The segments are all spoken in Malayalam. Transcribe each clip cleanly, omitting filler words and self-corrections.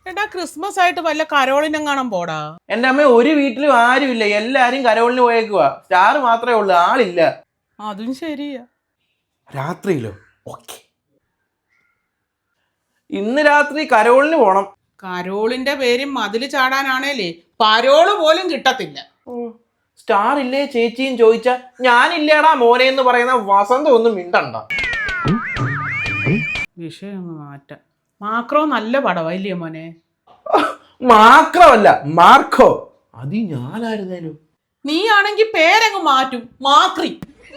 എടാ ക്രിസ്മസ് ആയിട്ട് വല്ല കരോളിനും കാണാൻ പോടാ. എന്റെ അമ്മ ഒരു വീട്ടിലും ആരുമില്ല, എല്ലാരും കരോളിന് പോയേക്കുക. സ്റ്റാർ മാത്രമേ ഉള്ളൂ, ആളില്ല. അതും ശരിയാ. രാത്രിയിലോ? ഓക്കെ, ഇന്ന് രാത്രി കരോളിന് പോണം. കരോളിന്റെ പേര് മതില് ചാടാനാണേലേ പരോള് പോലും കിട്ടത്തില്ല. സ്റ്റാർ ഇല്ലേ ചേച്ചിയും ചോദിച്ചാ ഞാനില്ലേടാ മോനെ എന്ന് പറയുന്ന വസന്ത ഒന്നും മിണ്ടണ്ട. വിഷയം മാറ്റാം. മാക്രോ നല്ല പടവാ ഇല്ലേ മോനെ? മാക്രമല്ല, മാർക്കോ. അത് ഞാനായിരുന്നേലും. നീ ആണെങ്കി പേരങ്ങ് മാറ്റും, മാക്രി.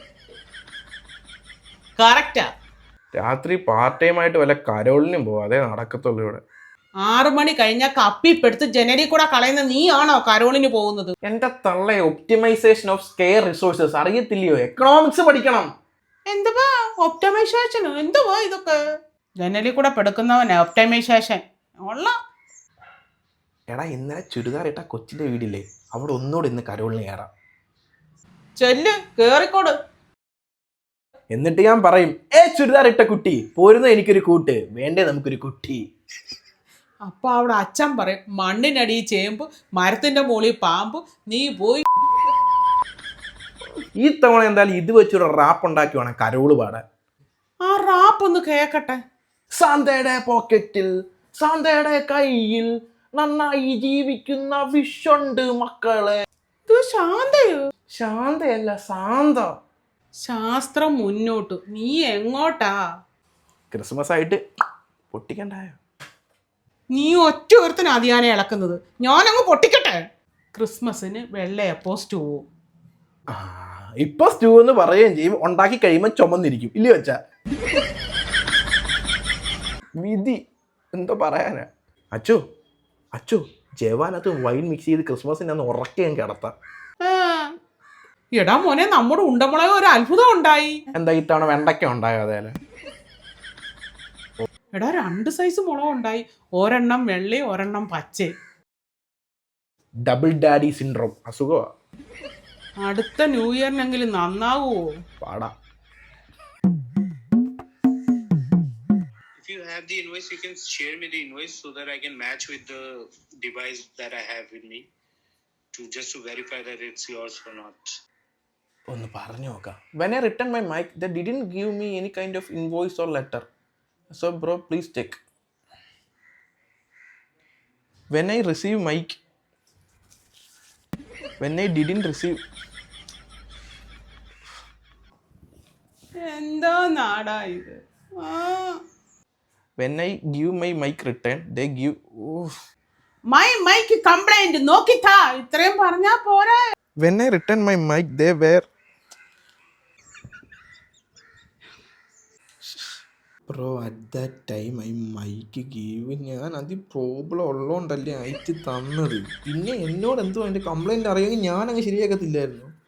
കറക്റ്റാ. രാത്രി പാർട്ട് ടൈം ആയിട്ട് വല്ല കരോളിനും പോവാ, അതേ നടക്കത്തുള്ളൂ ഇവിടെ. 6 മണി കഴിഞ്ഞാൽ കപ്പിപ്പെടുത്ത് ജനലിൽ കൂടെ കളയുന്ന നീ ആണോ കരോളിന് പോകുന്നത്? എന്റെ തള്ള, ഒപ്റ്റിമൈസേഷൻ ഓഫ് സ്കെയർ റിസോഴ്സസ് അറിയത്തില്ലയോ? എക്കണോമിക്സ് പഠിക്കണം. എന്തുവാ ഒപ്റ്റമൈസേഷൻ? എന്തുവാ ഇതൊക്കെ? ജനലിൽ കൂടെ പെടുക്കുന്നവനാ ഒപ്റ്റമൈസേഷൻ ഉള്ള. എടാ, ഇന്നലെ ചുരിദാർ ഇട്ട കൊച്ചിന്റെ വീടില്ലേ, അവിടെ ഒന്നുകൂടെ ഇന്ന് കരോളിന് കയറാം. ചെല്ല്, കേറിക്കോട്. എന്നിട്ട് ഞാൻ പറയും, ചുരിദാർ ഇട്ട കുട്ടി പോരുന്ന എനിക്കൊരു കൂട്ട് വേണ്ടേ, നമുക്കൊരു കുട്ടി. അപ്പൊ അവിടെ അച്ഛൻ പറയും, മണ്ണിനടി ചേമ്പ്, മരത്തിന്റെ മുകളിൽ പാമ്പ്, നീ പോയി. ഈ തവണ എന്തായാലും ഇത് വെച്ചൊരു റാപ്പ് ഉണ്ടാക്കി വേണം കരോള് പാടാൻ. ആ റാപ്പ് ഒന്ന് കേക്കട്ടെ. സാന്തയുടെ പോക്കറ്റിൽ, സാന്തയുടെ കയ്യിൽ നന്നായി ജീവിക്കുന്ന വിഷുണ്ട് മക്കളെ. ഇത് ശാന്തയോ? ശാന്തയല്ല, സാന്ത. ശാസ്ത്രം മുന്നോട്ട്, നീ എങ്ങോട്ടാ? ക്രിസ്മസ് ആയിട്ട് പൊട്ടിക്കണ്ടായോ? നീ ഒറ്റ ഒരുത്തന അതിയാനെ ഇളക്കുന്നത്, ഞാനങ്ങ് പൊട്ടിക്കട്ടെ. ക്രിസ്മസിന് വെള്ളയപ്പോ സ്റ്റൂവും. ഇപ്പൊ സ്റ്റൂ എന്ന് പറയുകയും ചെയ്യും, ഉണ്ടാക്കി കഴിയുമ്പോൾ ചുമന്നിരിക്കും ഇല്ലേ വെച്ചാ. വിധി എന്തോ പറയാനാ. അച്ചു അച്ചു, ജവാനകത്ത് വൈൻ മിക്സ് ചെയ്ത് ക്രിസ്മസിന് അന്ന് ഉറക്കുകയും കിടത്താം. എടാ മോനെ, നമ്മുടെ ഉണ്ടമുളക് ഒരു അത്ഭുതം ഉണ്ടായി. എന്താ ഇത്തവണ വെണ്ടയ്ക്ക ഉണ്ടായോ? അതേലെ എടാ 2 സൈസ് മുളക് ഉണ്ടായി, ഒരെണ്ണം വെള്ളി ഒരെണ്ണം പച്ച. ഡബിൾ ഡാഡി സിൻഡ്രോം അസുഖമാ. അടുത്ത ന്യൂ ഇയറിനെങ്കിലും നന്നാവുമോ? പാടാ. If you have the invoice, you can share me the invoice so that I can match with the device that I have with me to verify that it's yours or not. ഒന്ന് പറഞ്ഞു നോക്കാം. When I returned my mic, they didn't give me any kind of invoice or letter. So bro, please check. When I receive mic, when I didn't receive. എന്താ നാടാ ഇത്? When I give my mic return, they give. My mic complaint നോക്കിത്താ, ഇത്രയും പറഞ്ഞാ പോരാ. When I returned my mic, they were. Bro, at that time I mic give. ഞാൻ അത് പ്രോബ്ലം ഉള്ളതുകൊണ്ടല്ലേ അയച്ച് തന്നത്. പിന്നെ എന്നോട് എന്തോ അതിൻ്റെ കംപ്ലൈൻറ്റ് അറിയാമെങ്കിൽ ഞാൻ അങ്ങ് ശരിയാക്കത്തില്ലായിരുന്നു.